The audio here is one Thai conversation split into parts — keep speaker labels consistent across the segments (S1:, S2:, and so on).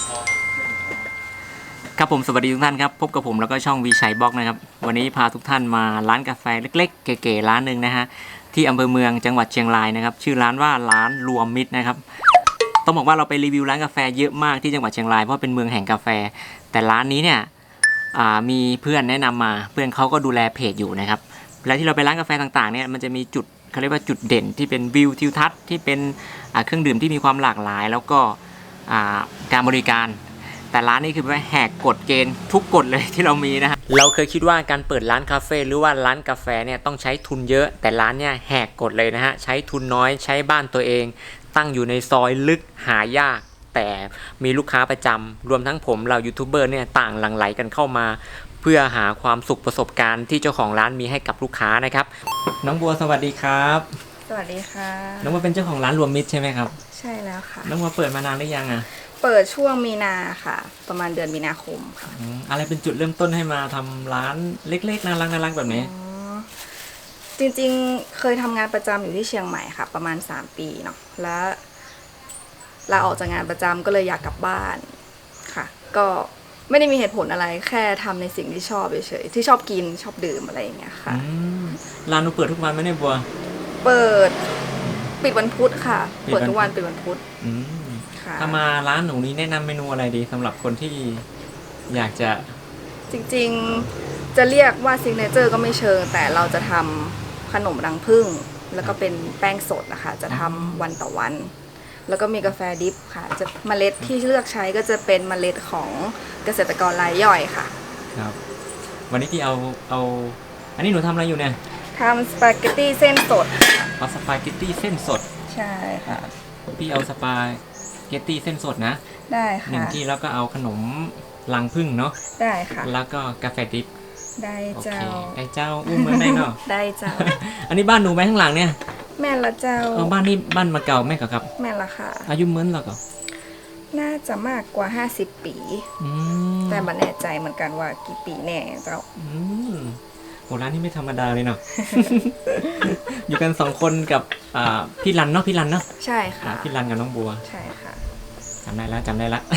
S1: ครับผมสวัสดีทุกท่านครับพบกับผมแล้วก็ช่องวีชัยบล็อกนะครับวันนี้พาทุกท่านมาร้านกาแฟเล็กๆเก๋ๆร้านหนึ่งนะฮะที่อำเภอเมืองจังหวัดเชียงรายนะครับชื่อร้านว่าร้านรวมมิตรนะครับต้องบอกว่าเราไปรีวิวร้านกาแฟเยอะมากที่จังหวัดเชียงรายเพราะเป็นเมืองแห่งกาแฟแต่ร้านนี้เนี่ยมีเพื่อนแนะนำมาเพื่อนเขาก็ดูแลเพจอยู่นะครับแล้วที่เราไปร้านกาแฟต่างๆเนี่ยมันจะมีจุดเขาเรียกว่าจุดเด่นที่เป็นวิวทิวทัศน์ที่เป็นเครื่องดื่มที่มีความหลากหลายแล้วก็การบริการแต่ร้านนี้คือแหกกฎเกณฑ์ทุกกฎเลยที่เรามีนะฮะเราเคยคิดว่าการเปิดร้านคาเฟ่หรือว่าร้านกาแฟเนี่ยต้องใช้ทุนเยอะแต่ร้านเนี่ยแหกกฎเลยนะฮะใช้ทุนน้อยใช้บ้านตัวเองตั้งอยู่ในซอยลึกหายากแต่มีลูกค้าประจำรวมทั้งผมเรายูทูบเบอร์เนี่ยต่างหลั่งไหลกันเข้ามาเพื่อหาความสุขประสบการณ์ที่เจ้าของร้านมีให้กับลูกค้านะครับน้องบัวสวัสดีครับ
S2: สวัสดีค่ะ
S1: น้องบัวเป็นเจ้าของร้านรวมมิตรใช่ไหมครับ
S2: ใช่แล้วค่ะ
S1: น้องบัวเปิดมานานหรือยังอ่ะ
S2: เปิดช่วงมีนาค่ะประมาณเดือนมีนาคมค่ะ
S1: อะไรเป็นจุดเริ่มต้นให้มาทำร้านเล็กๆน่ารักแบบนี้
S2: จริงๆเคยทำงานประจำอยู่ที่เชียงใหม่ค่ะประมาณ3 ปีเนาะแล้วลาออกจากงานประจำก็เลยอยากกลับบ้านค่ะก็ไม่ได้มีเหตุผลอะไรแค่ทำในสิ่งที่ชอบเฉยๆที่ชอบกินชอบดื่มอะไรอย่างเงี้ยค่ะ
S1: ร้านหนูเปิดทุกวันไหมเนี่ยบัว
S2: เปิดปิดวันพุธค่ะเปิดทุกวันปิดวันพุธ
S1: ถ้ามาร้านหนูนี้แนะนำเมนูอะไรดีสำหรับคนที่อยากจะ
S2: จริงๆจะเรียกว่าซิกเนเจอร์ก็ไม่เชิงแต่เราจะทำขนมรังผึ้งแล้วก็เป็นแป้งสดนะคะจะทำวันต่อวันแล้วก็มีกาแฟดิฟค่ะจะเมล็ดที่เลือกใช้ก็จะเป็นเมล็ดของเกษตรกรรายย่อยค่ะ
S1: ครับวันนี้ที่เอาอันนี้หนูทำอะไรอยู่เนี่ย
S2: ทำสปาเกตตี้เส้นสด
S1: เอาสปาเกตตี้เส้นสด
S2: ใช่ค่ะ
S1: พี่เอาสปาเกตตี้เส้นสดนะ
S2: ได้ค่ะ
S1: 1 ที่แล้วก็เอาขนมรังผึ้งเนาะ
S2: ได้ค่ะ
S1: แล้วก็กาแฟดิฟ
S2: ได้เจ้า
S1: ได้เจ้าอุ้มเมืองได้เนาะ
S2: ได้เจ้า
S1: อันนี้บ้านหนูไหมข้างหลังเนี่ย
S2: แม่ละเจ้า
S1: บ้านนี้บ้านมาเก่าแม่กับครับ
S2: แม่ละค่ะ
S1: อายุเมื่อหรอก็
S2: น่าจะมากกว่า50 ปีแต่ไม่แน่ใจเหมือนกันว่ากี่ปีแน่เจ้า
S1: โหร้านนี้ไม่ธรรมดาเลยเนาะ อยู่กัน2 คนกับพี่รันเนาะพี่รันเนาะ
S2: ใช่ค่ะ
S1: พี่รันกับน้องบัว
S2: ใช่ค่ะ
S1: จำได้แล้ว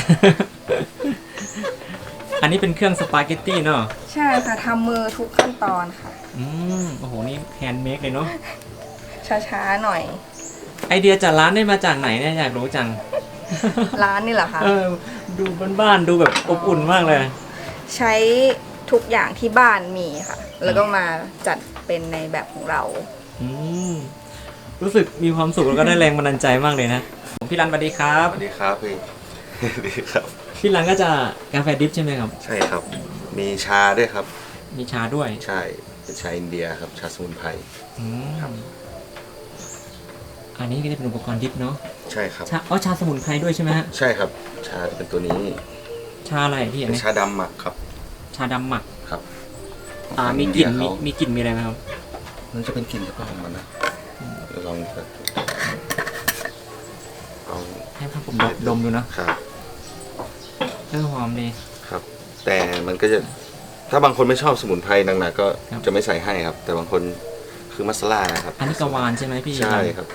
S1: อันนี้เป็นเครื่องสปาเกตตี้เนาะ
S2: ใช่ค่ะทำมือทุกขั้นตอนค่ะ
S1: โอ้โหนี่แฮนด์เมคเลยเนาะ
S2: ช้าๆหน่อย
S1: ไอเดียจากร้านได้มาจากไหนเนี่ยอยากรู้จัง
S2: ร้านนี่เหรอคะ
S1: ดูบ้านๆดูแบบอบอุ่นมากเลย
S2: ใช้ทุกอย่างที่บ้านมีค่ะแล้วก็มาจัดเป็นในแบบของเรา
S1: รู้สึกมีความสุขแล้วก็ได้แรงบันดาลใจมากเลยนะพี่รันสวัสดีครับ
S3: สวัสดีครับพี่ดีครับ
S1: พี่รันก็จะกาแฟดิฟใช่ไหมครับ
S3: ใช่ครับมีชาด้วยครับ
S1: มีชาด้วย
S3: ใช่เป็นชาอินเดียครับชาสมุนไพรครับ
S1: อันนี้ก็จะเป็นอุปกรณ์ดิฟเนาะ
S3: ใช่ครับ
S1: ชาสมุนไพรด้วยใช่ไหมฮะ
S3: ใช่ครับชาจะเป็นตัวนี้
S1: ชาอะไรพี่อันนี้
S3: ชาดำหมักครับ
S1: ชาดำหมัก
S3: ครับ
S1: มีกลิ่นมีอะไรไหมครับ
S3: มันจะเป็นกลิ่นเฉพาะของมันนะลองเอา
S1: ให้ผมดมดูนะครับหอมดี
S3: ครับแต่มันก็จะถ้าบางคนไม่ชอบสมุนไพรหนักๆก็จะไม่ใส่ให้ครับแต่บางคนคือมัสลานะครับ
S1: อันนี้กวานใช่ไหมพี่
S3: ใช่ครับ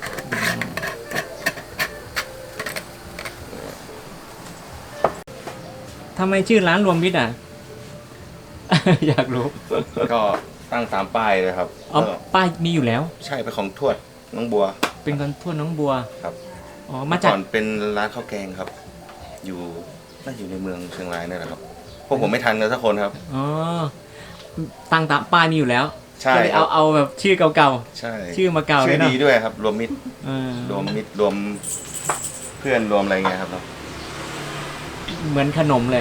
S1: ทำไมชื่อร้านรวมมิตรอ่ะ อยากรู้
S3: ก็ตั้งตามป้ายเลยครับ
S1: ป้ายมีอยู่แล้ว
S3: ใช่เป็นของทวดน้องบัว
S1: เป็นของทวดน้องบัว
S3: ครับ
S1: มาจาก
S3: ก่อนเป็นร้านข้าวแกงครับอยู่น่าอยู่ในเมืองเชียงรายนี่แหละครับพวกผมไม่ทันกันสักคนครับ
S1: ตั้งตามป้ายมีอยู่แล้ว
S3: ใช่
S1: เอาแบบชื่อเก่า
S3: ๆใช่
S1: ชื่อมาเก่าเลย
S3: เนาะชื่อดีด้วยครับรวมมิตรรวมเพื่อนรวมอะไรเงี้ยครับ
S1: เหมือนขนมเลย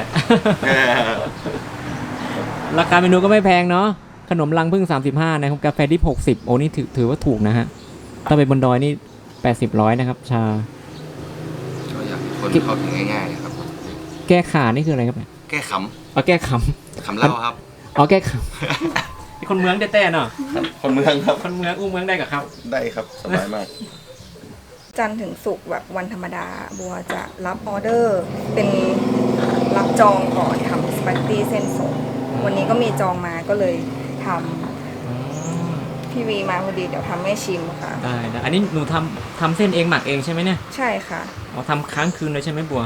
S1: ราคาเมนูก็ไม่แพงเนาะขนมรังผึ้ง35นะครับกาแฟดิบ60โอ้นี่ถือว่าถูกนะฮะถ้าไปบนดอยนี่80-100นะครับชา
S3: ก็อยากคนเข้าถึงง่ายๆครับ
S1: แก้ขานี่คืออะไรครับ
S3: แก้ข
S1: ำแก้ข
S3: ำเหล้าครับ
S1: แก้ขำคนเมืองแต่เนาะ
S3: คนเมืองครับ
S1: คนเมืองเมืองได้กับครับ
S3: ได้ครับสบายมาก
S2: จันทร์ถึงศุกร์แบบวันธรรมดาบัวจะรับออเดอร์เป็นรับจองก่อนทำสปาเกตตี้เส้นสดวันนี้ก็มีจองมาก็เลยทำพี่วีมาพอดีเดี๋ยวทำให้ชิมค่ะ
S1: ได้อันนี้หนูทำเส้นเองหมักเองใช่ไหมเนี่ย
S2: ใช่ค่ะ
S1: ทำค้างคืนเลยใช่ไหมบัว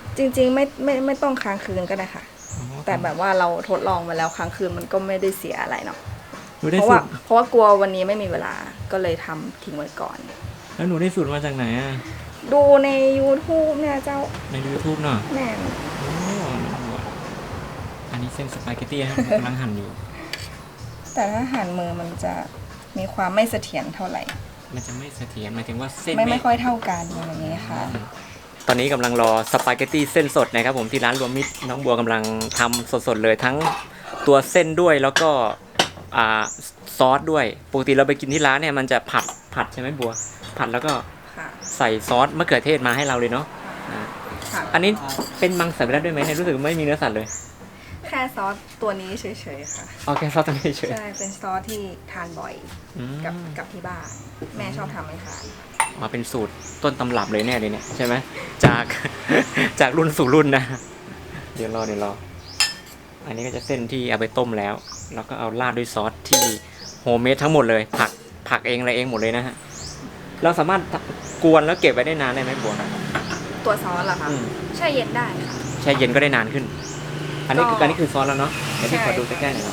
S2: จริงๆไม่ต้องค้างคืนก็ได้ค่ะ แต่แบบว่าเราทดลองมาแล้วค้างคืนมันก็ไม่ได้เสียอะไรเนาะ
S1: หนูได้
S2: เพราะ
S1: สู
S2: ว่า
S1: ตร
S2: กลัววันนี้ไม่มีเวลาก็เลยทำทิ้งไว้ก่อน
S1: แล้วหนูได้สูตรมาจากไหนอ่ะ
S2: ดูใน YouTube เนี่ยเจ้า
S1: ใน YouTube เนาะ
S2: แม่น
S1: โอ้อันนี้เส้นสปาเกตตี้นะครับกำลังหั่นอยู่
S2: แต่ถ้าหั่นมือมันจะมีความไม่เสถียรเท่าไหร่
S1: มันจะไม่เสถียรหมายถึงว่าเส้น
S2: ไม่ค่อยเท่ากันอย่างนี้ค่ะ
S1: ตอนนี้กำลังรอสปาเกตตี้เส้นสดนะครับผมที่ร้านรวมมิตรน้องบัวกำลังทำสดๆเลยทั้งตัวเส้นด้วยแล้วก็ซอสด้วยปกติเราไปกินที่ร้านเนี่ยมันจะผัดใช่ไหมบัว ผัดแล้วก็
S2: ค่ะ
S1: ใส่ซอสมะเขือเทศมาให้เราเลยเนาะ
S2: ค่ะ
S1: อันนี้เป็นมังสวิรัติด้วยไหมเนี่ยรู้สึกไม่มีเนื้อสัตว์เลย
S2: แค่ซอสตัวนี้เฉยๆค่ะ
S1: เอาแค่ซอสตัวนี้เฉย
S2: ใช่เป็นซอสที่ทานบ่อย
S1: อืม
S2: กับที่บ้านแม่ชอบทำให้ทาน
S1: มาเป็นสูตรต้นตำรับเลยเนี่ยใช่ไหมจาก จากรุ่นสู่รุ่นนะเดี๋ยวรออันนี้ก็จะเส้นที่เอาไปต้มแล้วแล้วก็เอาราดด้วยซอสที่โฮมเมดทั้งหมดเลยผักเองอะไรเองหมดเลยนะฮะเราสามารถกวนแล้วเก็บไว้ได้นานได้ไหมบัวครับ
S2: ตัวซอสเหรอคะ
S1: อืม
S2: แช่เย็นได้ค่ะ
S1: แช่เย็นก็ได้นานขึ้น อันนี้คือ
S2: ก็
S1: อันนี้คือซอสแล้วเนาะเดี๋ยวพี่ขอดูใกล้ๆหน่อย
S2: ใช่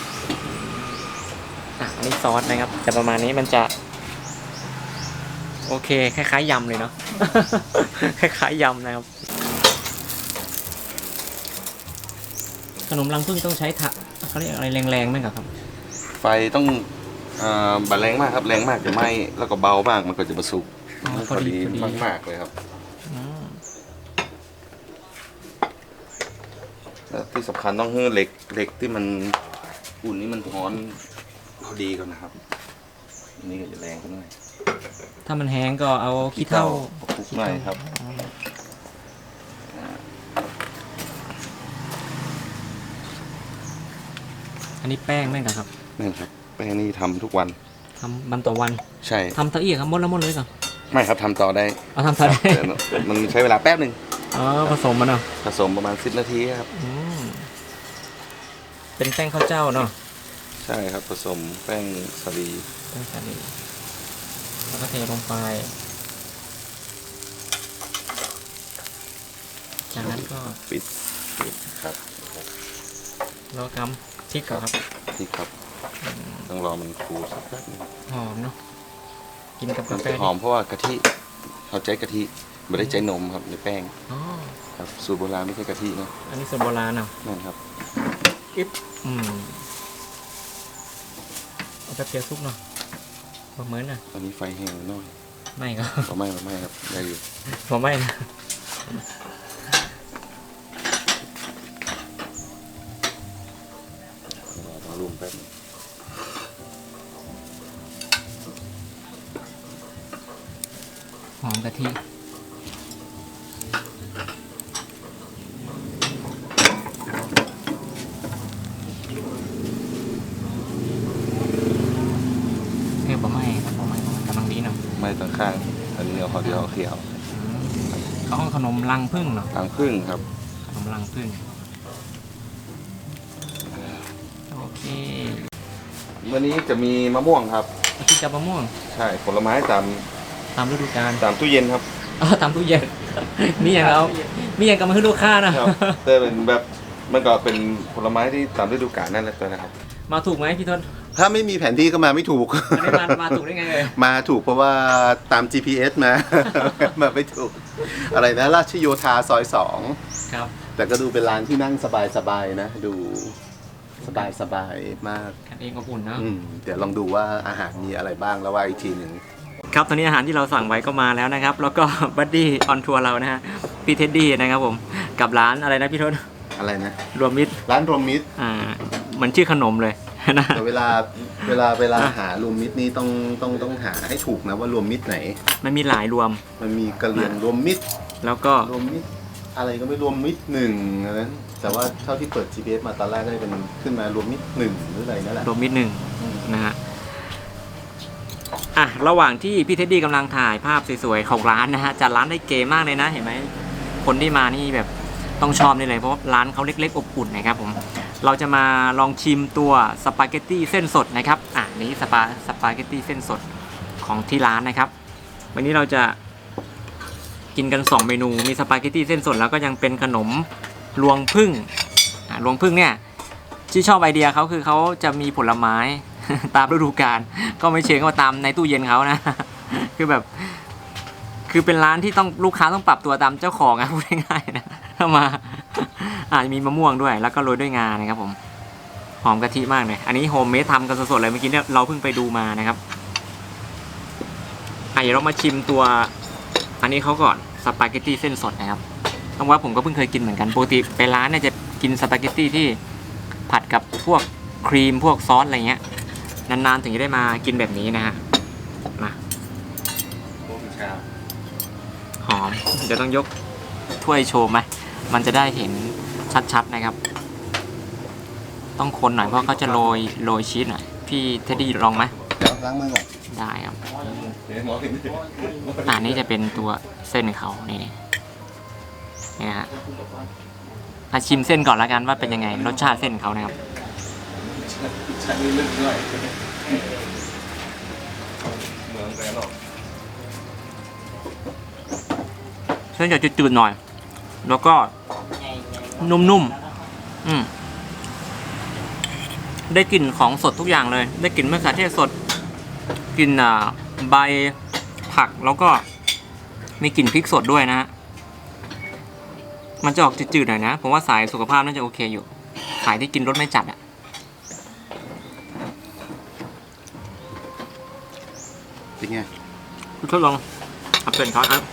S1: อันนี้ซอสนะครับแต่ประมาณนี้มันจะโอเคคล้ายๆยำเลยเนาะ คล้ายๆยำนะครับขนมรังผึ้งต้องใช้เขาเรียกอะไรแรงๆไหมครับ
S3: ไฟต้องบัดแรงมากครับแรงมากจะไหม้แล้วก็เบามากมันก็จะประสุก
S1: อ๋อ
S3: พอดีมากๆเลยครับ
S1: อืม
S3: แล้วที่สำคัญต้องให้เหล็กที่มันอุ่นนี่มันร้อนพอดีก่อนนะครับอันนี้ก็จะแรงขึ้นหน่อย
S1: ถ้ามันแห้งก็เอาขี้เถ้า
S3: คลุกหน่อยครับ
S1: อันนี้แป้งไหมครับ
S3: นี่ครับแป้งนี่ทำทุกวัน
S1: ทำวันต่อวัน
S3: ใช่
S1: ทำตะเอียกครับหมดเลยก่อน
S3: ไม่ครับทำต่อได้
S1: เอาทำต่อได้
S3: แต่มันใช้เวลาแป๊บหนึ่ง
S1: อ๋อผสมมันเนาะ
S3: ผสมประมาณ10 นาทีครับ
S1: อืมเป็นแป้งข้าวเจ้าเนาะ
S3: ใช่ครับผสมแป้งสาลี
S1: แป้งสาลีแล้วก็เทลงไปจากนั้นก็
S3: ปิดครับ
S1: เราทำพริกก่อนครับ
S3: นี่ครับต้องรอมันฟูสักแป๊บหนึง
S1: หอมเนาะกินกับ
S3: มั
S1: กาน แฟ
S3: จะหอมเพราะว่ากะทิเขาใช้กะทิไม่ได้ใช้นมครับในแป้ง
S1: อ๋อ
S3: ครับสูตรโบราณไม่ใช่กะทินะ
S1: อันนี้สูตรโบราณเนาะ
S3: นั่นครับ
S1: อืมเอาแบบเจียวซุปเนาะประเมินนะ
S3: ตอนนี้ไฟแห้งหน่อย
S1: ไม่ก็
S3: ไม่ครับได้อยู่
S1: ผมไม่นะ
S3: รอมารุมแป๊บนึง
S1: หอมกะทิเฮ้ยผมไม่กำลังดีเนาะ
S3: ไม่ต่างข้างอันนี้เอาขอเดียวเอาเขียว
S1: เขาห้องขนมรังผึ้งเนาะ
S3: ทางพึ่งครับ
S1: ขนมรังผึ้งโอเค
S3: วันนี้จะมีมะม่วงครับ
S1: ที่จับมะม่วง
S3: ใช่ผลไม้ตาม
S1: ตามฤดูกาล
S3: ตามตู้เย็นครับ
S1: ตามตู้เย็น มีอย่างเรามีอย่างกับมาให้ลูกค้านะ
S3: ครับแต่เป็นแบบมันก็เป็นผลไม้ที่ตามฤดูกาลนั่นแหละนะครับ
S1: มาถูกไหมพี่ทน
S4: ถ้าไม่มีแผนที่ก็มาไม่ถูก
S1: อันนี้มาถูกได้ไงเลย
S4: มาถูกเพราะว่าตาม GPS มา มาไม่ถูก อะไรนะราชโยธาซอย
S1: ครับ
S4: 2 แต่ก็ดูเป็นร้านที่นั่งสบายๆนะ ดูสบายๆมาก
S1: กันเองอบอุ่นเนาะ
S4: เดี๋ยวลองดูว่าอาหารมีอะไรบ้างแล้วว่าอีกทีหนึ่ง
S1: ครับตอนนี้อาหารที่เราสั่งไว้ก็มาแล้วนะครับ แล้วก็บัดดี้ออนทัวร์เรานะฮะพี่เท็ดดี้นะครับผมกับร้านอะไรนะพี่ทน
S4: อะไรนะ
S1: รวมมิตร
S4: ร้านรวมมิตร
S1: เหมือนชื่อขนมเลยนะ
S4: แต่เวลาหารวมมิตรนี่ต้องหาให้ถูกนะว่ารวมมิตรไหน
S1: มันมีหลายรวม
S4: มันมีกะเหรี่ยงรวมมิตร
S1: แล้วก็
S4: รวมมิตรอะไรก็ไม่รวมมิตรหนึ่งอะไรนั้นแต่ว่าเท่าที่เปิด GPS มาตอนแรกก็เป็นขึ้นมารวมมิตรหนึ่งหรืออะไรนั่นแหละ
S1: รวมมิตรหนึ่งนะฮะระหว่างที่พี่เท็ดดี้กำลังถ่ายภาพสวยๆของร้านนะฮะจัดร้านได้เก๋มากเลยนะเห็นไหมคนที่มานี่แบบต้องชอบนี่เลยเพราะว่าร้านเขาเล็กๆอบอุ่นนะครับผมเราจะมาลองชิมตัวสปาเกตตี้เส้นสดนะครับนี่สปาเกตตี้เส้นสดของที่ร้านนะครับวันนี้เราจะกินกัน2เมนูมีสปาเกตตี้เส้นสดแล้วก็ยังเป็นขนมรวงผึ้งรวงผึ้งเนี่ยที่ชอบไอเดียเขาคือเขาจะมีผลไม้ ตามฤดูกาลก็ไม่เชิงว่าตามในตู้เย็นเขานะ คือแบบคือเป็นร้านที่ต้องลูกค้าต้องปรับตัวตามเจ้าของนะพูดง่ายๆนะถ้ามามีมะม่วงด้วยแล้วก็โรยด้วยงานะครับผมหอมกะทิมากเลยอันนี้โฮมเมดทำกันสดๆเลยเมื่อกี้เนี่ยเราเพิ่งไปดูมานะครับเดี๋ยวเรามาชิมตัวอันนี้เขาก่อนสปาเกตตี้เส้นสดนะครับต้องว่าผมก็เพิ่งเคยกินเหมือนกันปกติไปร้านเนี่ยจะกินสปาเกตตี้ที่ผัดกับพวกครีมพวกซอสอะไรเงี้ยนานๆถึงจะได้มากินแบบนี้นะฮะมาหอมเดี๋ยวต้องยกถ้วยโชว์ไหมมันจะได้เห็นชัดๆนะครับต้องคนหน่อยเพราะเขาจะโรยชีสหน่อยพี่เทดดี้ลองไหม
S4: เดี๋ยวล้างมือก่อน
S1: ได้ครับนี่จะเป็นตัวเส้นเขานี่นะฮะชิมเส้นก่อนแล้วกันว่าเป็นยังไงรสชาติเส้นเขานะครับ
S3: ใช้ลึกด้วยเมืองแกนหรอก
S1: เส้นจะจืดๆหน่อย แล้วก็นุ่มๆได้กลิ่นของสดทุกอย่างเลยได้กลิ่นมะเขือเทศสดกลิ่นใบผักแล้วก็มีกลิ่นพริกสดด้วยนะฮะมันจะออกจืดๆหน่อยนะผมว่าสายสุขภาพน่าจะโอเคอยู่สายที่กินรสไม่จัดอ่ะ
S4: เป็นไง
S1: คุณทดลองเอาเป็นเขาอ่ะ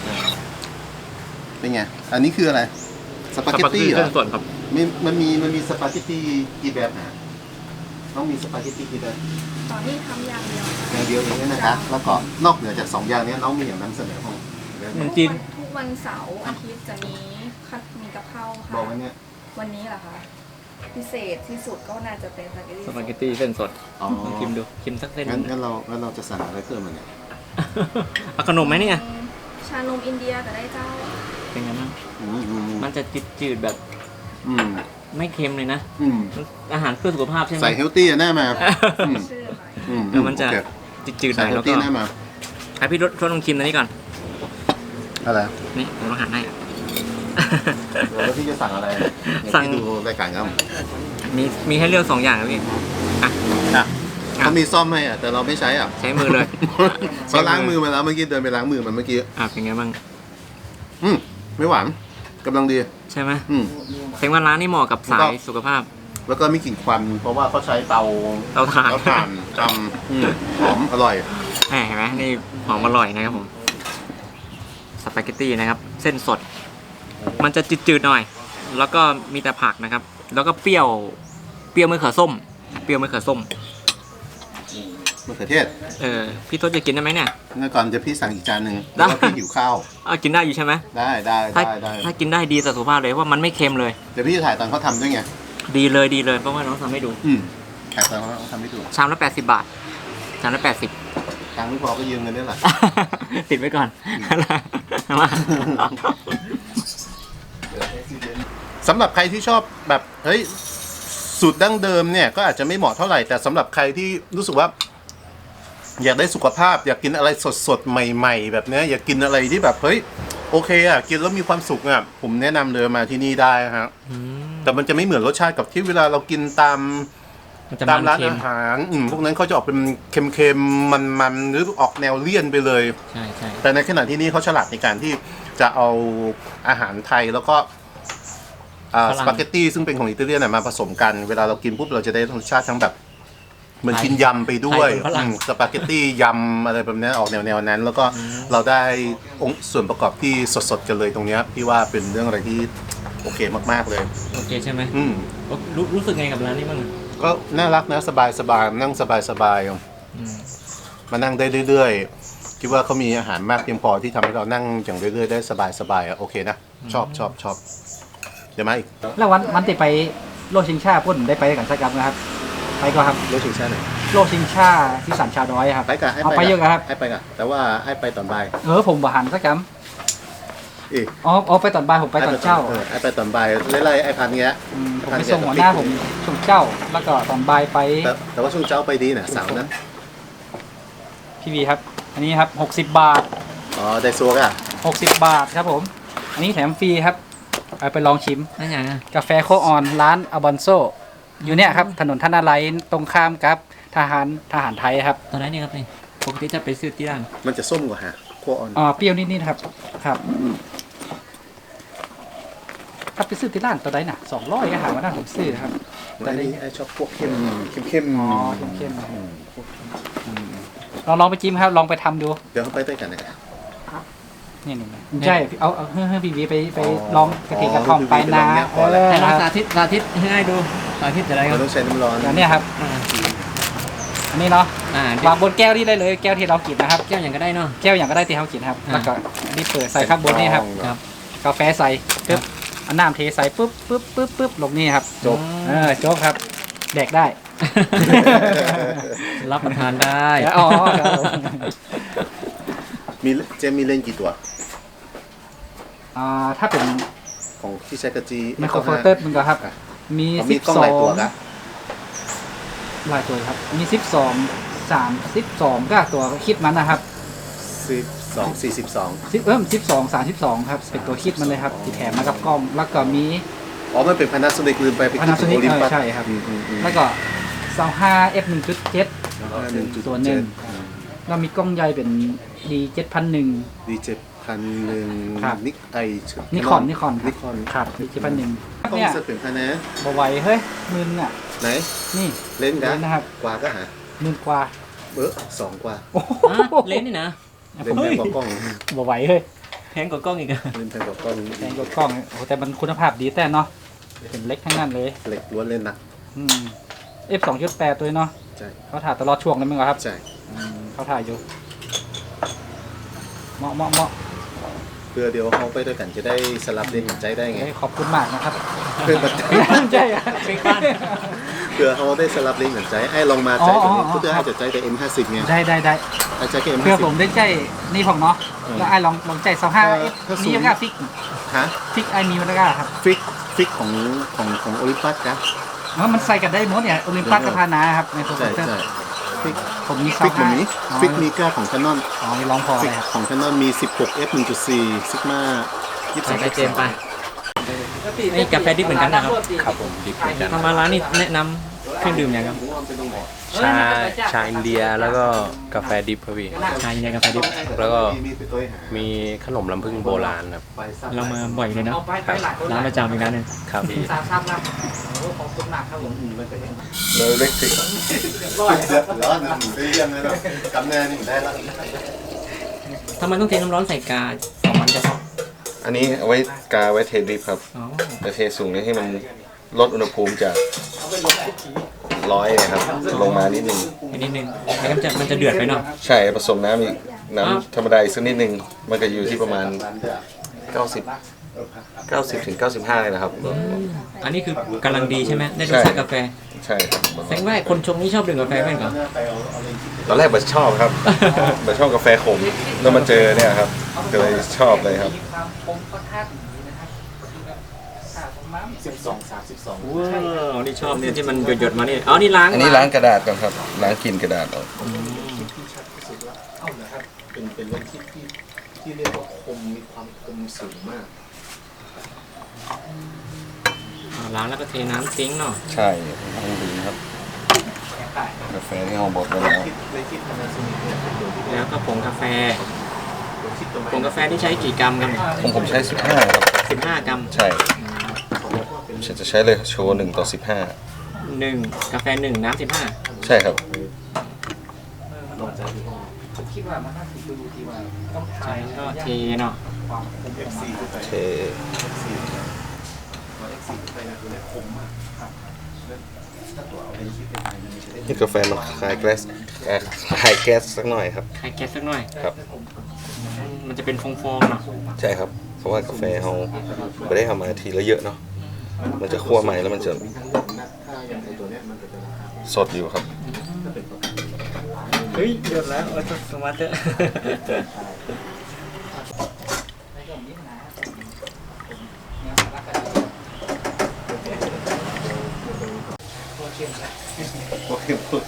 S4: เป็นไงอันนี้คืออะไรสปาเกตตี้เหร
S1: เส้
S4: อน
S1: ส่วนครับ
S4: มันมีสปาเกตตี้กี่แบบนะต้องมีสปาเกตตี้กี่แบบ
S2: ตอนนี้ทำอย่างเดียว
S4: อย่างเดียวเองนะคะแล้วก็นอกเหนือจาก2อย่างนี้น้องมีอย่างนำเสนอของ
S1: ขนมจีน
S2: ทุกวันเสาร์อาทิตย์จะมีกับข้าวค่ะ
S4: บอกไว้เนี่ย
S2: วันนี้เหรอคะพิเศษที่สุดก็น่าจะเป็นสปาเกตตี้
S1: สปาเกตตี้เส้นสด
S4: อ๋อ
S1: ลองชิมดูชิมสักเส้น
S4: งั้นเราจะสั่งอะไรเพิ่มมาเนี่ย
S1: เอาขนมไหมเนี่ย
S2: ชานมอินเดียก็ได้เจ้า
S1: เป็นไงบ้าง
S4: อืม
S1: มันจะจืดๆแบบ
S4: อืม
S1: ไม่เค็มเลยนะ
S4: อืม
S1: อาหารเพื่อสุขภาพใช่ไหม
S4: ใส่เฮลตี้แน่มาอืม
S2: ชื่อหน่อย
S1: มันจะ
S4: โอเค
S1: จืดๆห
S4: ใส่
S1: น่อย
S4: เฮล
S1: แล้วก็
S4: ตี้แน่มา
S1: ให้พี่ทดลองชิมตัวนี้ก่อน
S4: อะไร
S1: นี่ผมลองหั่นให้
S4: แล้วพี่จะสั่งอะไร
S1: สั่ง
S4: พี่ดูรายการครับ
S1: มีให้เลือก2อย่างนะพี่อ่ะ
S4: อ่ะเขามีซ่อมให้อ่ะแต่เราไม่ใช้อ่ะ
S1: ใช้มือเลย
S4: เขาล้างมือมาแล้วเมื่อกี้เดินไปล้างมือมันเมื่อกี้
S1: เป็นไงบ้าง
S4: ไม่หวานกำลังดี
S1: ใช่ไหม
S4: อืม
S1: แสดงว่าร้านนี้เหมาะกับสายสุขภาพ
S4: แล้วก็มีกลิ่นควันเพราะว่าเขาใช้เตา
S1: เตาถ่าน
S4: จำหอมอร่อย
S1: เห็นไหมนี่หอมอร่อยนะครับผมสปาเกตตี้นะครับ เส้นสด มันจะจืดๆหน่อย แล้วก็มีแต่ผักนะครับ แล้วก็เปรี้ยวมะเขือส้มเปรี้ยวมะเขือส้ม
S4: มะเขือเทศ
S1: พี่ทศจะกินได้ไหมเนี่ย
S4: งั้นก่อนจะพี่สั่งอีกจานหนึ่ง
S1: ได้
S4: แล้วพี่หิวข้าว
S1: กินได้อยู่ใช่ไหม
S4: ได้
S1: ถ้ากินได้ดีต่อสุขภาพเลยเพราะมันไม่เค็มเลย
S4: เดี๋ยวพี่จะถ่ายตอนเขาทำด้วยไง
S1: ดีเลยเพราะว่าน้องทำให้ดู
S4: ถ่ายตอนเขาทำให้ดู
S1: ชามละ80 บาทชามละ80
S4: ทางไม่พอก็ยืมเงินนี่แหละ
S1: ติดไว้ก่อนมา
S4: สำหรับใครที่ชอบแบบเฮ้ยสูตรดั้งเดิมเนี่ยก็อาจจะไม่เหมาะเท่าไหร่แต่สำหรับใครที่รู้สึกว่า อยากได้สุขภาพ อยากกินอะไรสดๆใหม่ ๆ แบบเนี้ยอยากกินอะไรที่แบบเฮ้ยโอเคอ่ะกินแล้วมีความสุขอ่ะผมแนะนำเลยมาที่นี่ได้ฮะแต่มันจะไม่เหมือนรสชาติกับที่เวลาเรากินตาม
S1: มันจะ
S4: ตาม
S1: มัน
S4: ร้าน
S1: เค็ม
S4: อาหารพวกนั้นเขาจะออกเป็นเค็มๆมันๆหรือออกแนวเลี่ยนไปเลย
S1: ใช่
S4: แต่ในขณะที่นี่เขาฉลาดในการที่จะเอาอาหารไทยแล้วก็สปาเกตตี้ซึ่งเป็นของอิตาเลียนมาผสมกันเวลาเรากินปุ๊บเราจะได้รสชาติทั้งแบบเหมือนกินยำไปด้วยสปาเกตตี้ยำอะไรแบบนี้ออกแนวนั้น แล้วก็เราได้องค์ส่วนประกอบที่สดๆกันเลยตรงนี้พี่ว่าเป็นเรื่องอะไรที่โอเคมากๆเลย
S1: โอเคใช่ไหม
S4: รู้
S1: สึกไงกับร้านนี้บ้าง
S4: ก็น่ารักนะสบายๆนั่งสบายๆมานั่งได้เรื่อยๆคิดว่าเขามีอาหารมากเพียงพอที่ทำให้เรานั่งอย่างเรื่อยๆได้สบายๆโอเคนะชอบเดี๋ยวมาอีก
S5: แล้ววันที่ไปโลกชิงชาพุ่นได้ไปกันสักครั้งนะครับ ไปก็ครับ
S4: รถชิงชาไหน
S5: โลกชิงชาที่สันชาวน้อยครับ
S4: ไปกัน
S5: เอาไปเยอะครับ
S4: ให้ไปกันแต่ว่าให้ไปตอนบ่าย
S5: ผมบหันสักครั้ง
S4: อีก
S5: ไปตอนบ่ายผมไปตอนเช้า
S4: ให้ไปตอนบ่ายไล่ไอ้พันเงี้ย
S5: ผมไปส่งหัวหน้าผมช่วงเช้าแล้วก็ตอนบ่ายไป
S4: แต่ว่าช่วงเช้าไปดีนะเสาร์นะ
S5: พี่วีครับ อันนี้ครับ60 บาท
S4: อ๋อได้ซัวก่ะ
S5: 60 บาทครับผม อันนี้แถมฟรีครับเอาไปลองชิม
S1: นั่นอย่างนะ
S5: กาแฟโคออนร้านอบอนโซอยู่เนี่ยครับถนนท่านาไลตรงข้ามกับทหารไทยครับ
S1: ตอนนั้นนี่ครับนี่ปกติจะไปซื้อที่ร้าน
S4: มันจะส้มกว่าฮะขั้วอ่อน
S5: เปรี้ยวนิดๆครับครับถ้าไปซื้อที่ร้านตัวใดน่ะ200ก็หามาได้ผมซื้อครับ
S4: แต่นี่ไอชอบพวกเข้มเข้ม
S5: อ๋อเข้มๆลองไปจิ้มครับลองไปทำดู
S4: เดี๋ยวเขาไปด้วยกันนะ
S5: นี่ใช่เอาให้พี่วีไปลองกระเทียมกระท่อมไปนะ
S1: ให้ลองสาธิตให้ดูสาธิตจะได้ค
S4: เรา
S1: รับ
S4: ต้องใช้น้ำร้อน
S5: อย่างนี้ครับ
S1: อ่า
S5: อันนี้เนาะ
S1: เดี๋ยว
S5: วางบนแก้วนี่ได้เลยแก้วที่เรากินนะครับ
S1: แก้วอย่างก็ได้เนาะ
S5: แก้วอย่างก็ได้ที่เขากินครับ
S1: อ่า
S5: แล้วก็อันนี้เปิดใส่ข้างบนนี่ครับ
S1: ครับ
S5: กาแฟใส่ปึ๊บเอาน้ำเทใส่ปึ๊บลงนี่ครับ
S4: จบ
S5: จบครับ แดกได้
S1: รับประทานได้
S5: อ๋อครับผม
S4: มีเจมมีเล่นกี่ตัว
S5: ถ้าเป็น
S4: ของที่ใช้กระจี
S5: ไมโครโฟลเตอร์มันก็ครับ มี
S4: มีกล้องหลายตัวนะ
S5: หลายตัวครับ มี12 ก็ตัวคิดมันนะครับ 12 32ครับ เป็นตัวคิดมันเลยครับที่แถมมากับกล้อง แล้วก็มี
S4: อ๋อมันเป็นพานาโซนิกลืมไปคิด
S5: Panasonic
S4: โอลิมปัส
S5: ใช่ครับ แล้วก็25 f 1.7 ตัวหนึ่งแล้วมีกล้องใหญ่เป็น D 7001
S4: ดีเจ็ดพันหนึ่ง
S5: ครับ
S4: นิกไอ
S5: นิคอน
S4: นิคอน
S5: ครับ D 7001
S4: ต้อง
S5: เนี่ย
S4: เสเป็นพานะ
S5: บไหวเฮ้ยมึนอ่ะ
S4: ไหน
S5: นี่
S4: เล่นกัน
S5: เล่นนะครับ
S4: กว่าก็หา
S5: มึนกว่า
S4: 2 กว่า
S5: โอ้โห
S1: เล่นนี่นะ
S4: เล่นแพงกว่ากล้อง
S5: บไหวเฮ้ย
S1: แพงกว่ากล้องอีกอะ
S4: เล่นแพงกว่ากล้อง
S5: แพงกว่ากล้องโอ้โหแต่มันคุณภาพดีแต่เนาะเป็นเล็กทั้งนั้นเลย
S4: เหล็กล้วนเล่นหนัก
S5: F 2.8ตัวเนาะ
S4: ใช่
S5: เขาถ่ายตลอดช่วงเลยมั้งครับ
S4: ใช่
S5: เขาถ่ายอยู่เหมาะ
S4: เพื่อเดี๋ยวเขาไปด้วยกันจะได้สลับเล่นกันใจได้ไง
S5: เฮ้ยขอบคุณมากนะครับ
S4: เพื่อมัน
S5: ใช่อะ
S1: เป็นบ้าน
S4: เพื่อเขาได้สลับเล่นกันใจไอ้ลองมาใจตัวนี้เพื่อให้จะใจแต่ M50 ไง
S5: ได้
S4: ไอ้ใจแค่
S5: เพื่อผม
S4: M50
S5: ได้ใจนี่ของเนาะแล้วไอ้ลองใจ25
S4: ถ้า
S5: มีมันก็ฟิก
S4: ฮะ
S5: ไอ้มีมันก็ครับ
S4: ฟิกของโอลิมปัสนะ
S5: แล้วมันใส่กันได้หมดเนี่ยโอลิมปัสกับพานาครับในโปรเซ
S4: ใช่
S5: สเตอร์
S4: ใช่ฟิก
S5: ผมมี
S4: ฟิกแบบนี้ฟิกมีก้าของ Canon
S5: อ๋อนี่ร้องพอ
S4: ฟิ
S5: เล
S4: ก
S5: ยครับ
S4: ของ Canon มี 16 f 1.4 Sigma
S1: ใส่
S4: 23
S1: ไปเจมไปนี่กาแฟดิบเหมือนกันนะครับ
S6: ครับผมดิบเหมือนกัน
S1: ทำมาร้านนี่แนะนำเครื่องดื่มอย่างครับ
S6: ชาอินเดียแล้วก็กาแฟดิบครับพี่
S1: ชาอินเดียกาแฟดิบ
S6: แล้วก็มีขนมลำพึ่งโบราณครับ
S1: เรามาบ่อยเลยนะ
S5: เอาไปหลายคน
S1: ร้านประจำอีกร้านหนึง
S6: ครับพี่
S5: สามครับโอ้ขอบคุณมากครับผม
S4: เลยเล็กสิ
S5: ร้อย
S4: ร้อนนะหมูได้เยี่ยมเลยเนาะกำแน่นี่ได้ละ
S1: ทำไมต้องเทน้ำร้อนใส่กาของมันจะ
S3: อันนี้เอาไว้กาไว้เทดริปครับ
S1: อ๋อ
S3: แต่เทสูงนี่ให้มันลดอุณหภูมิจาก100นะครับลงมานิดนึง
S1: อีกนิดนึงแล้วก็มันจะเดือดไปเนาะ
S3: ใช่ผสมน้ำอีกน้ำธรรมดาอีกสักนิดนึงมันก็อยู่ที่ประมาณ 90 ถึง 95เลยนะครับ
S1: อันนี้คือกำลังดีใช่ไหมได้รสชาติกาแฟ
S3: ใช่ครับ
S1: แสดงว่าคนชงนี่ชอบดื่มกาแฟไหมก่อน
S3: ตอนแรกผมชอบครับ ผมชอบกาแฟขมแล้วมาเจอเนี่ยครับก็เลยชอบเลยครับ
S5: ผมก็ท่าถึงนี้นะครับ12
S1: ว้าวนี่ชอบเนี่ยที่มันหยดๆมานี่อ๋อนี่ล้าง
S3: อันนี้ล้างกระดาษก่อนครับล้างกลิ่นกระดาษออก
S4: เป็นรถที่เรียกว่าคมมีความคมสูงมาก
S1: ล้างแล้วก็เทน้ำทิ้งเนาะ
S3: ใช่ต้องดีครับกาแฟที่เราบดไว้แล้ว
S4: เลยคิดพานาโซนิกเนี่ยเป็นตัวที่
S1: แล้วก็ผงกาแฟ
S4: คิดตรง
S1: ผงกาแฟที่ใช้กี่กรัมครับ
S3: ผมใช้15ครับ
S1: 15 กรัม
S3: ใช่ฉันจะใช้เลยโชว์1 ต่อ
S1: 1กาแฟ1น้ำ15
S3: 15 ใช่ครับ
S5: คิดว่ามันน่าจะดูที่ว่าต้อง
S1: ใช้
S5: ใช้
S1: ก็เทเนาะ
S5: ความคม
S4: FC ขึ้นไป
S3: เท
S4: FC ขึ้นไปนะตัวเนี่ยคมมากครับถ้าตัวเอาเป็นคิดเป็นไงมันไม่ใช่ได้
S3: นี่กาแฟมันคลายแก๊สคลายแก๊สสักหน่อยครับ
S1: ใช้แก๊สสักหน่อย
S3: ครับ
S1: มันจะเป็นฟองๆเนาะ
S3: ใช่ครับ เพราะว่ากาแฟเราไม่ได้ทำมาทีละเยอะเนาะมันจะคั่วใหม่แล้วมันจะ
S4: ถ้าอย่างไอตัวเนี้ยมันก็จะราคา
S3: สดอยู่ครับ
S1: เฮ้ยหยดแล้วเอาสมาร์ทเตอร์
S4: โอเคโอเค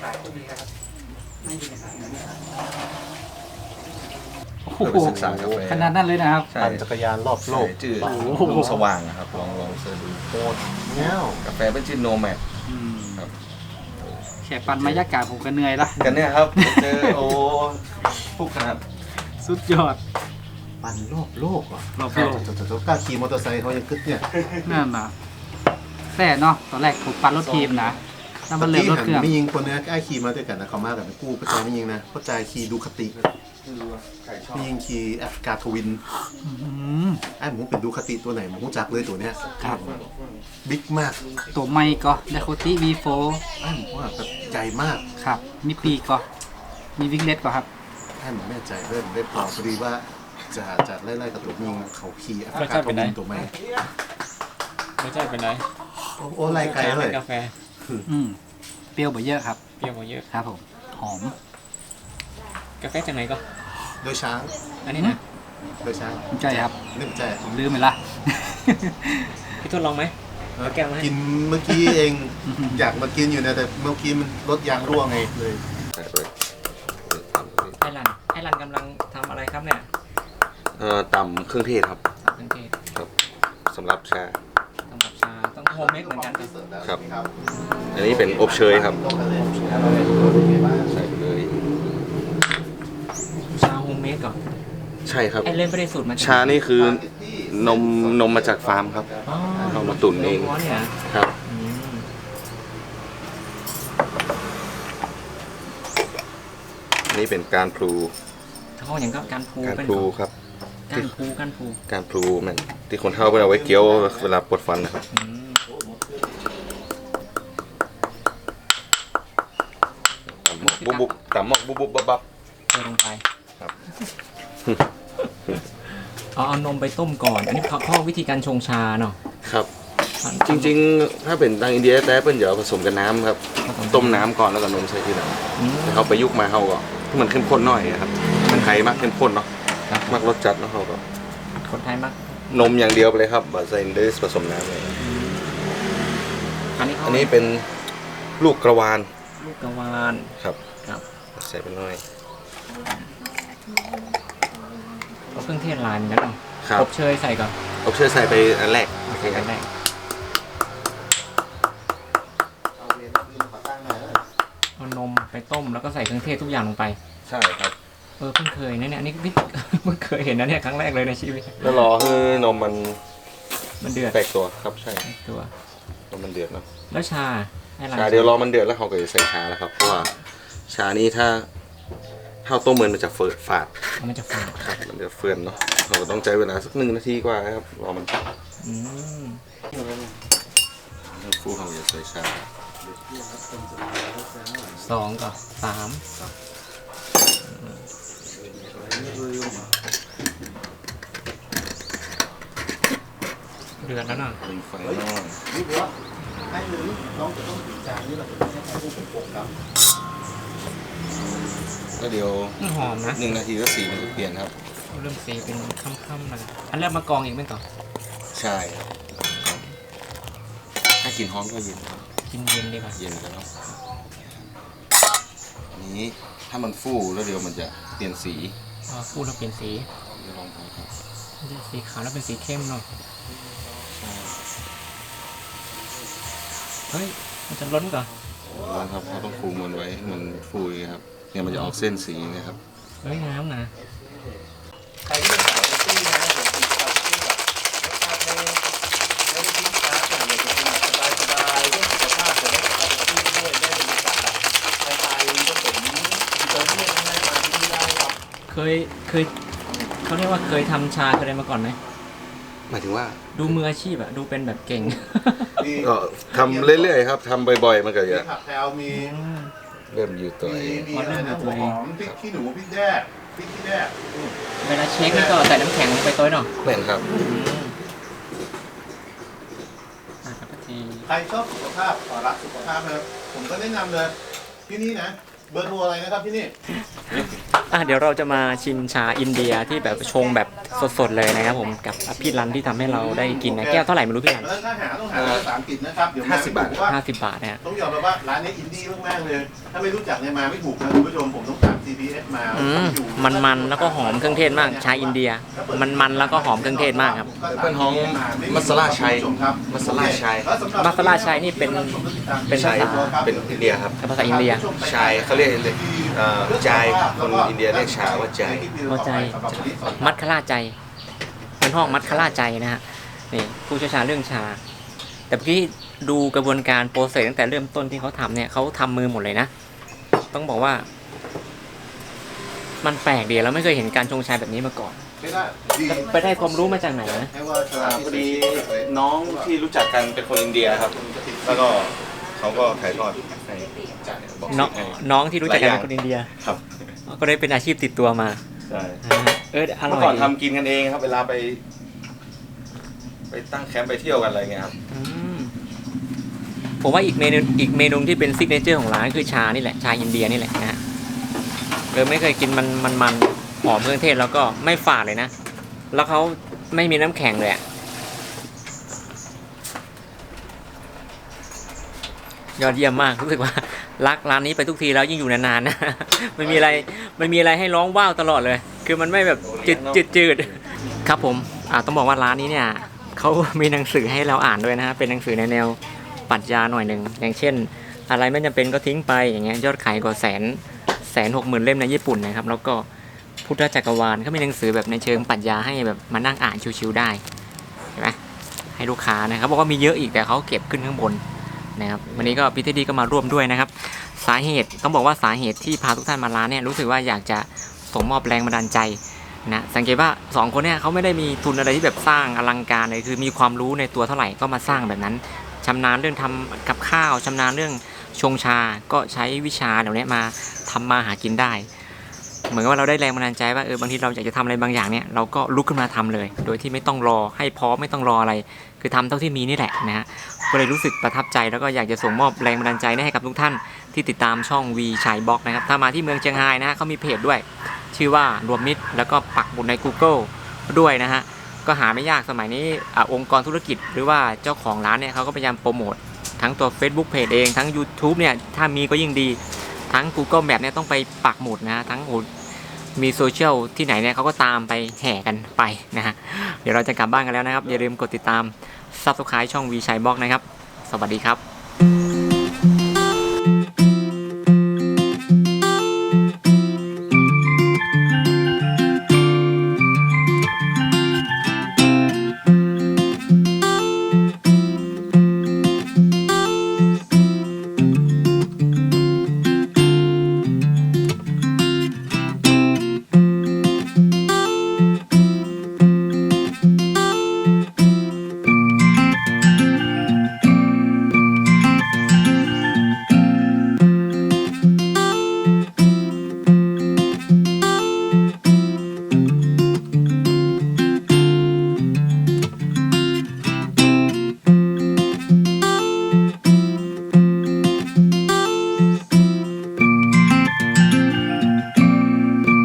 S5: โอ้
S3: เพื่อ
S5: โห
S3: ไปศึกษากาแฟ
S5: ขนาดนั้นเลยนะครับ
S3: ใช่
S4: ปั่นจักรยานรอบโล
S3: โล
S4: ก
S3: กจืด
S5: โอ้โห
S3: ลงสว่างนะครับลองเสิร์ชดู
S4: โคตรเงี้ยว
S3: กาแฟเป็นชื่อโนแมด
S5: อืม
S3: ครับ
S5: แค่ปั่นมายากาศผมก็เหนื่อยละ
S3: กันเนี่ยครับเจอโอ้พวกขนาด
S5: สุดยอด
S4: ปั่นรอบโลกอ่ะ
S5: รอบโลก
S4: กล้าขี่มอเตอร์ไซค์เขายังกึดเนี่ย
S5: นั่นนะแต่เนาะตอนแรกผมปั่นรถทีมนะแล้วมันเริ่มรถเครื่อง
S4: ไม่ยิงคนเนี้ยกล้าขี่มาด้วยกันนะเขามากับกู้กระจายไม่ยิงนะกระจายขี่ดูคติไม่ยิงขี่แอฟกาทวิน
S5: อืม
S4: ไอ้หมูเป็นดูคติตัวไหนหมูจักเลยตัวเนี้ย
S5: ครับ
S4: บิ๊กมาก
S5: ตัวไม่ก็ไดโคติ V4
S4: ไอ้หมูว่าแบบใหญ่มาก
S5: ครับ มีปีกก็มีวิกเล็ตก็ครับ
S4: ไอ้หมูแม่ใจเริ่มได้เปล่าพอดีว่าจะไล่ๆกับตัวยิงเขาขี่แอฟ
S1: รส
S4: กา
S1: ชาติ
S4: ท
S1: เป็นไง
S4: วินตัวใหม่
S1: ไม่ใช่เป็นไร
S4: โอ้ไล่ไกลเลย
S1: กาแฟ
S5: อืมเปรี้ยวบ่เยอะครับ
S1: เปรี้ยวกว่าเยอะ
S5: ครับผม หอม
S1: กาแฟจากไหนก็
S4: โดยช้าง
S1: อันนี้นะ
S4: โดยช้าง
S5: ใช่ครับ
S4: นึกใจ
S5: ผมลืมไปละ
S1: พี่ทดลองไหม เอาแก้วมาให้
S4: กินเมื่อกี้เอง อยากมากินอยู่นะแต่เมื่อกี้มันรถยางรั่วไงเลย
S1: ไอรันกำลังทำอะไรครับเนี่ย
S3: ต่ำเครื่องเทศครับ
S1: สับเครื่องเทศ
S3: สำหรับชา
S1: ทำกับชาต้องโฮมเมดเหมือนกันครับ
S3: ครับ อันนี้เป็นอบเชยครับใส่ไปเลย
S1: ชาโฮมเมดก่อน
S3: ใช่ครับ
S1: ไอเล่นไม่ได้สูตรมาจาก
S3: ชานี่คือนมมาจากฟาร์มครับ
S1: อ๋อ
S3: เอามาตุ๋นเอง
S1: ล้วนเนี่ย
S3: ครับ
S1: อืม
S3: นี่เป็นการพลู
S1: เขาอย่างก็การพู
S3: การ
S1: เป็น
S3: พลูครับ
S1: การพู
S3: การพลูมันที่คนเฒ่าเวลาไว้เคี้ยวเวลาปวดฟันนะครับ
S1: อืม
S3: ตำหมอกบุบบับ
S1: เทลงไป
S3: ครับ
S1: เอานมไปต้มก่อน อันนี้ข้อวิธีการชงชาเนาะ
S3: ครับ จริงๆ ถ้าเป็นทางอินเดียแต่เป็นเดี๋ยวผสมกับน้ำครับ ต้มน้ำก่อนแล้วก็นมใส่ทีหลัง
S1: อืม
S3: แต่เขาไปยุกมาเขาก็ที่มันเข้มข้นหน่อยครับมันไทยมากเข้มข้นเนาะ
S1: ครับ
S3: มากรสจัดเนาะเขาก็
S1: คนไทยมาก
S3: นมอย่างเดียวไปเลยครับบะใส่เดสผสมน้ำเลย
S1: อันนี้เขา
S3: อันนี้เป็นลูกกระวาน
S1: ลูกกระวาน
S3: ครับ
S1: ครับ
S3: ใส่ไปหน่อย
S1: เอาเครื่องเทศลายเหมือนกันเนาะ
S3: ครับ
S1: อบเชยใส่ก่อน
S3: อบเชยใส่ไปอันแรกโอเคค
S1: อั
S3: รับ
S1: นแรกเอานมไปต้มแล้วก็ใส่เครื่องเทศทุกอย่างลงไป
S3: ใช่ครับ
S1: เพิ่งเคยนะเนี่ยอันนี้พี่ เพิ่งเคยเห็นนะเนี่ยครั้งแรกเลยในชีวิต
S3: แล้วรอให้นมมัน
S1: มันเดือด
S3: แตกตัวครับใช่
S1: ตัวน
S3: มมันเดือดเนาะ
S1: แล้วชาให้ร้าน
S3: ชาเดี๋ยวรอมันเดือดแล้วเขาก็จะใส่ชาแล้วครับเพราะว่าชานี้ถ้าต้มมันจะเฟิร์ฝาด
S1: มันจะฝาด
S3: ครับมันจะเฟื่อนเนาะเราก็ต้องใช้เวลาสัก1 นาทีกว่าครับรอมัน
S1: อืม
S3: ฟูเขาจะใส่ชา
S1: 2 กับ 3เดือดแล้วเนาะ
S3: เป็นไฟน้อย
S4: นี่บัวให้หรือน้องจะต้องติดจานนี่เราจะต้องให้ผู้ปกครับ
S3: แล้วเดี๋ยว
S1: หอมนะ
S3: 1 นาทีแล้วสีมันจะเปลี่ยนครับ
S1: เริ่มสีเป็นค่ำๆเลยอันแรกมากองอีกไหมต่อ
S3: ใช่ครับถ้ากินฮ้อนก็เย็นครับ
S1: กินเย็นดีกว่า
S3: เย็นแล้วเนาะอันนี้ถ้ามันฟูแล้วเดี๋ยวมันจะเปลี่ยนสี
S1: พูดแล้วเปลี่ยนสี
S3: เดี๋ยวลองดูครับ
S1: สีขาวแล้วเป็นสีเข้มเนาะเฮ้ยมันจะล้นก่อน
S3: ลองครับเราต้องฟูมันไว้ให้มันฟูอย่างเงี้ยครับเนี่ยมันจะออกเส้นสีนะครับ
S1: เฮ้ยน้ำนะ
S4: ใครที่เป็นสายตี้นะผมติดกับที่แบบรสชาติไม่ได้ทิ้งช้าแต่อยากจะกินแบบสบายๆเรื่องสุขภาพจะได้สบายที่ด้วยได้บรรยากาศแบบไทยๆผสมอิตาเลียนง่ายมาที่นี่ได้ครับ
S1: เคยเขาเรียกว่าเคยทำชาเคยอะไรมาก่อนไหม
S3: หมายถึงว่า
S1: ดูมืออาชีพอะดูเป็นแบบเก่ง
S3: ก็ทำเรื่อยๆครับทำบ่อยๆมันก็
S4: มี
S3: จะ
S4: ผักแพรวมี
S3: เริ่มอยู่ตัวเอง
S4: มีอะไรนะหัวหอมพริกขี้หนูพริกแดกพริกขี้แดก
S1: เวลาเช็คนี่ก็ใส่น้ำแข็งลงไปตัวหน่อย
S3: แม่นครับ
S1: ครับที
S4: ใครชอบสุขภาพรักสุขภาพนะครับผมก็แนะนำเลยที่นี่นะเบอร์โทรอะไรนะครับที่นี่
S1: เดี๋ยวเราจะมาชิมชาอินเดียที่แบบชงแบบสดๆเลยนะครับผมกับพี่รันที่ทำให้เราได้กินนะแก้วเท่าไหร่ไม่รู้พี่รัน
S4: ถ้าหาต้องหาภาษาอังกฤษนะครับเดี๋ยว
S3: 50 บาท
S1: 50 บาทนะฮะ
S4: ต้องยอมรับว่าร้านนี้อินดี้มากๆเลย ถ้าไม่รู้จักเนี่ยมาไม่ถูกนะคุณผู้ชมผมต้องตาม CPS มา
S1: มันแล้วก็หอมเครื่องเทศมากชาอินเดียมันแล้วก็หอมเครื่องเทศมากครับ
S3: เป็นของมัสลาชัยมัสลาชัย
S1: มัสลาชัยนี่เป็นภาษา
S3: เป็นอินเดียครับ
S1: ภาษาอินเดีย
S3: ชายเขาเรียกจายคนอินเดียเรียกชาว่าจาย
S1: หัวใจมัดคล่าใจเป็นห้องมัดคล่าใจนะฮะนี่ผู้เชี่ยวชาญเรื่องชา แต่เมื่อกี้ดูกระบวนการโปรเซสตั้งแต่เริ่มต้นที่เขาทำเนี่ยเขาทำมือหมดเลยนะต้องบอกว่า มันแปลกดีแล้วไม่เคยเห็นการชงชาแบบนี้มาก่อนไปได้ความรู้มาจากไหนนะ
S3: พอดีน้องที่รู้จักกันเป็นคนอินเดียครับ แล้วก็เขาก็ถ่ายทอดให้บอก
S1: น้องที่รู้จักกันเป็นคนอินเดีย
S3: ครับ
S1: ก็ได้เป็นอาชีพติดตัวมา
S3: ใช่
S1: อร่
S3: เมื่
S1: อ
S3: อย ก่อนทำกินกันเองครับ เวลาไปตั้งแคมป์ไปเที่ยวกันอะไรเงี้ยครับ
S1: อืมผมว่าอีกเมนูที่เป็นซิกเนเจอร์ของร้านคือชานี่แหละชาอินเดียนี่แหละนะฮะไม่เคยกินมันหอมเครื่องเทศแล้วก็ไม่ฝาดเลยนะแล้วเขาไม่มีน้ำแข็งเลยอะยอดเยี่ยมมากรู้สึกว่ารักร้านนี้ไปทุกทีแล้วยิ่งอยู่นานๆนะ มันมีอะไรให้ร้องว้าวตลอดเลย คือมันไม่แบบจืดครับผมต้องบอกว่าร้านนี้เนี่ยเขามีหนังสือให้เราอ่านด้วยนะฮะเป็นหนังสือในแนวปรัชญาหน่อยหนึ่งอย่างเช่น อะไรไม่จำเป็นก็ทิ้งไปอย่างเงี้ยยอดขายกว่า160,000 เล่มในญี่ปุ่นนะครับแล้วก็พุทธจักรวาลเขามีหนังสือแบบในเชิงปรัชญาให้แบบมานั่งอ่านชิวๆได้เห็นไหมให้ลูกค้านะครับบอกว่ามีเยอะอีกแต่เขาเก็บขึ้นข้างบนนะครับวันนี้ก็พี่เทดดี้ก็มาร่วมด้วยนะครับสาเหตุต้องบอกว่าสาเหตุที่พาทุกท่านมาร้านเนี่ยรู้สึกว่าอยากจะส่งมอบแรงบันดาลใจนะสังเกตว่า2คนเนี่ยเขาไม่ได้มีทุนอะไรที่แบบสร้างอลังการเลยคือมีความรู้ในตัวเท่าไหร่ก็มาสร้างแบบนั้นชำนาญเรื่องทำกับข้าวชำนาญเรื่องชงชาก็ใช้วิชาเหล่านี้มาทำมาหากินได้เหมือนกับว่าเราได้แรงบันดาลใจว่าบางทีเราอยากจะทำอะไรบางอย่างเนี่ยเราก็ลุกขึ้นมาทำเลยโดยที่ไม่ต้องรอให้พร้อมไม่ต้องรออะไรคือทำเท่าที่มีนี่แหละนะฮะก็เลยรู้สึกประทับใจแล้วก็อยากจะส่งมอบแรงบันดาลใจให้กับทุกท่านที่ติดตามช่องวีชัยบล็อกนะครับถ้ามาที่เมืองเชียงรายนะฮะเขามีเพจด้วยชื่อว่ารวมมิตรแล้วก็ปักหมุดใน Google ด้วยนะฮะก็หาไม่ยากสมัยนี้องค์กรธุรกิจหรือว่าเจ้าของร้านเนี่ยเขาก็พยายามโปรโมททั้งตัว Facebook Page เองทั้ง YouTube เนี่ยถ้ามีก็ยิ่งดีทั้ง Google Map เนี่ยต้องไปปักหมุดนะทั้งมีโซเชียลที่ไหนเนี่ยเขาก็ตามไปแห่กันไปนะฮะเดี๋ยวเราจะกลับบ้านกันแล้วนะครับอย่าลืมกดติดตาม Subscribe ช่องวีชัยบล็อกนะครับสวัสดีครับ